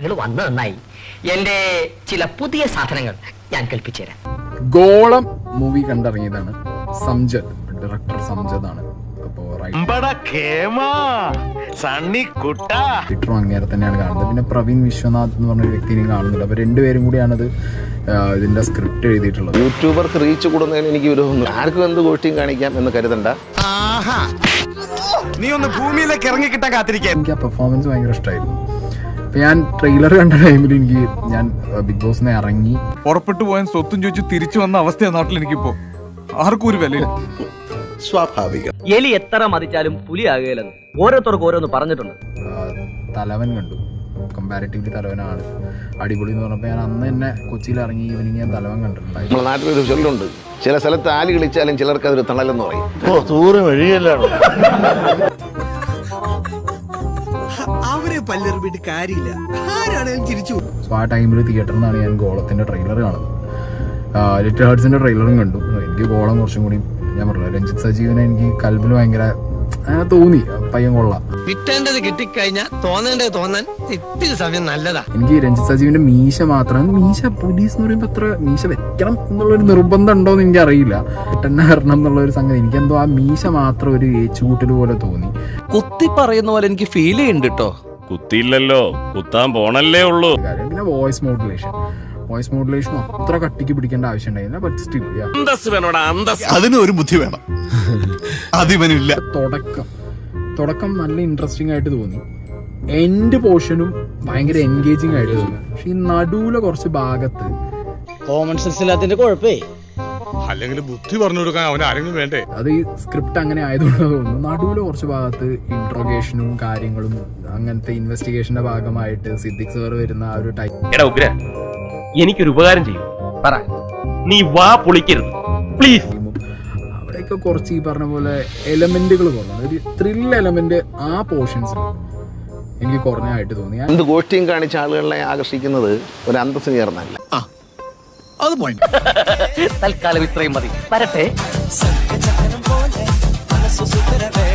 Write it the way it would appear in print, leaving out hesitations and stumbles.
നിങ്ങൾ വന്നു നന്നായി. എന്റെ ചില പുതിയ സാധനങ്ങൾ ഞാൻ കൽപ്പിച്ചു തരാം. ഗോളം മൂവി കണ്ടിറങ്ങിയതാണ്. സംജദ്, ഡയറക്ടർ സംജദ് ആണ്. തിയേറ്ററും അങ്ങേരെ തന്നെയാണ് കാണുന്നത്. പിന്നെ പ്രവീൺ വിശ്വനാഥ് എന്ന് പറഞ്ഞ വ്യക്തിനെയും കാണുന്നുണ്ട്. അപ്പൊ രണ്ടുപേരും കൂടിയാണത് ഇതിന്റെ സ്ക്രിപ്റ്റ് എഴുതിയിട്ടുള്ളത്. യൂട്യൂബർക്ക് റീച്ച് കൂടുന്നതിന് എനിക്ക് വിരോധമൊന്നും, ആർക്കും എന്ത് ഗോഷ്ടിയും കാണിക്കാം എന്ന് കരുതണ്ട. നീ ഒന്ന് ഭൂമിയിലേക്ക് ഇറങ്ങി കിട്ടാൻ കാത്തിരിക്കാൻ. എനിക്ക് ആ പെർഫോമൻസ് ഭയങ്കര ഇഷ്ടമായിരുന്നു. അപ്പൊ ഞാൻ ട്രെയിലർ കണ്ട ടൈമിൽ ഞാൻ ബിഗ് ബോസിനെ ഇറങ്ങി പുറപ്പെട്ടു പോയാൻ സ്വത്തും ചോദിച്ചു തിരിച്ചു വന്ന അവസ്ഥയാണ് നാട്ടിൽ. എനിക്കിപ്പോ ആർക്കും ഒരു വിലയില്ല. സ്വാഭാവികം. എലി എത്ര മതിച്ചാലും പുലിയാകുകയില്ലെന്ന് ഓരോരുത്തർക്ക് ഓരോന്ന് പറഞ്ഞിട്ടുണ്ട്. തലവൻ കണ്ടു. കമ്പാരിറ്റീവ്ലി തലവനാണ് അടിപൊളി എന്ന് പറഞ്ഞപ്പോൾ ഞാൻ അന്ന് തന്നെ കൊച്ചിയിൽ ഇറങ്ങി ഈവനിങ് ഞാൻ തലവൻ കണ്ടിട്ടുണ്ടായി. നമ്മുടെ നാട്ടിലൊരു ചൊല്ലുണ്ട്, ചില സ്ഥലത്ത് ആലി കളിച്ചാലും ചിലർക്ക് അതൊരു തണലെന്ന് പറയും. അവരെ പല്ലെറിഞ്ഞിട്ട് കാര്യമില്ല, ആരാണെങ്കിലും തിരിച്ചു. സോ ആ ടൈമിൽ തിയേറ്ററിൽ നിന്നാണ് ഞാൻ ഗോളത്തിന്റെ ട്രെയിലർ കാണുന്നത്. ലിറ്റിൽ ഹാർട്സിന്റെ ട്രെയിലറും കണ്ടു. എനിക്ക് ഗോളം കുറച്ചും കൂടി, ഞാൻ പറഞ്ഞില്ല, രഞ്ജിത്ത് സജീവനെ എനിക്ക് കൽബിൽ ഭയങ്കര അങ്ങനെ തോന്നി. പയ്യൻ കൊള്ളാം. കിട്ടേണ്ടത് കിട്ടിക്കഴിഞ്ഞാൽ തോന്നേണ്ടത് തോന്നാൻ ഇത്തിരി സമയം നല്ലതാ. എനിക്ക് രഞ്ജിത്ത് സജീവിന്റെ മീശ മാത്രം, മീശ പോലീസ് എന്ന് പറയുമ്പോൾ അത്ര മീശ വെക്കണം എന്നുള്ളൊരു നിർബന്ധം ഉണ്ടോ എന്ന് എനിക്കറിയില്ല. തന്നെ വരണം എന്നുള്ള ഒരു സംഗതി എനിക്കെന്തോ ആ മീശ മാത്രം ഒരു ഏച്ചുകൂട്ടൽ പോലെ തോന്നി. കുത്തി പറയുന്ന പോലെ എനിക്ക് ഫീൽ ചെയ്യുന്നുണ്ട് കേട്ടോ. കുത്തിയില്ലല്ലോ, കുത്താൻ പോണല്ലേ ഉള്ളൂ. പിന്നെ വോയിസ് മോഡുലേഷൻ അത്ര കട്ടിക്ക് പിടിക്കേണ്ട ആവശ്യം ഉണ്ടായില്ല. ബട്ട് സ്റ്റിൽ അതിന് ഒരു ബുദ്ധി വേണം, അതിവനില്ല. തുടക്കം നല്ല ഇൻട്രസ്റ്റിംഗ് ആയിട്ട് തോന്നി. എൻഡ് പോർഷനും ഭയങ്കര എൻഗേജിങ് ആയിട്ട് തോന്നി. പക്ഷെ ഈ നടുവിലെ കുറച്ച് ഭാഗത്ത് കോമൺ സെൻസ് ഇല്ലാത്തതിന്റെ കുഴപ്പേ. അല്ലെങ്കിൽ ബുദ്ധി പറഞ്ഞു കൊടുക്കാൻ അവൻ ആരെങ്കിലും വേണ്ടേ. അത് ഈ സ്ക്രിപ്റ്റ് അങ്ങനെ ആയതുകൊണ്ട് തോന്നുന്നു. നടുവിലെ കുറച്ച് ഭാഗത്ത് ഇൻട്രോഗേഷനും കാര്യങ്ങളും അങ്ങനത്തെ ഇൻവെസ്റ്റിഗേഷന്റെ ഭാഗമായിട്ട് സിദ്ദിഖ് സാർ വരുന്ന ആ ഒരു ടൈം. എനിക്കൊരു ഉപകാരം ചെയ്യും, പറ. നീ വാ പൊളിക്കരുത് പ്ലീസ്. അവിടെയൊക്കെ കുറച്ച് ഈ പറഞ്ഞ പോലെ എലമെന്റുകൾ കുറഞ്ഞു. ഒരു ത്രിൽ എലമെന്റ് ആ പോർഷൻസിൽ എനിക്ക് കുറഞ്ഞായിട്ട് തോന്നി. എന്ത് ഗോഷ്ടിയും കാണിച്ച ആളുകളെ ആകർഷിക്കുന്നത് ഒരു അന്തസ്സിന് ചേർന്നല്ല. അത് പോയിന്റ്. തൽക്കാലം ഇത്രയും മതി. വരട്ടെ.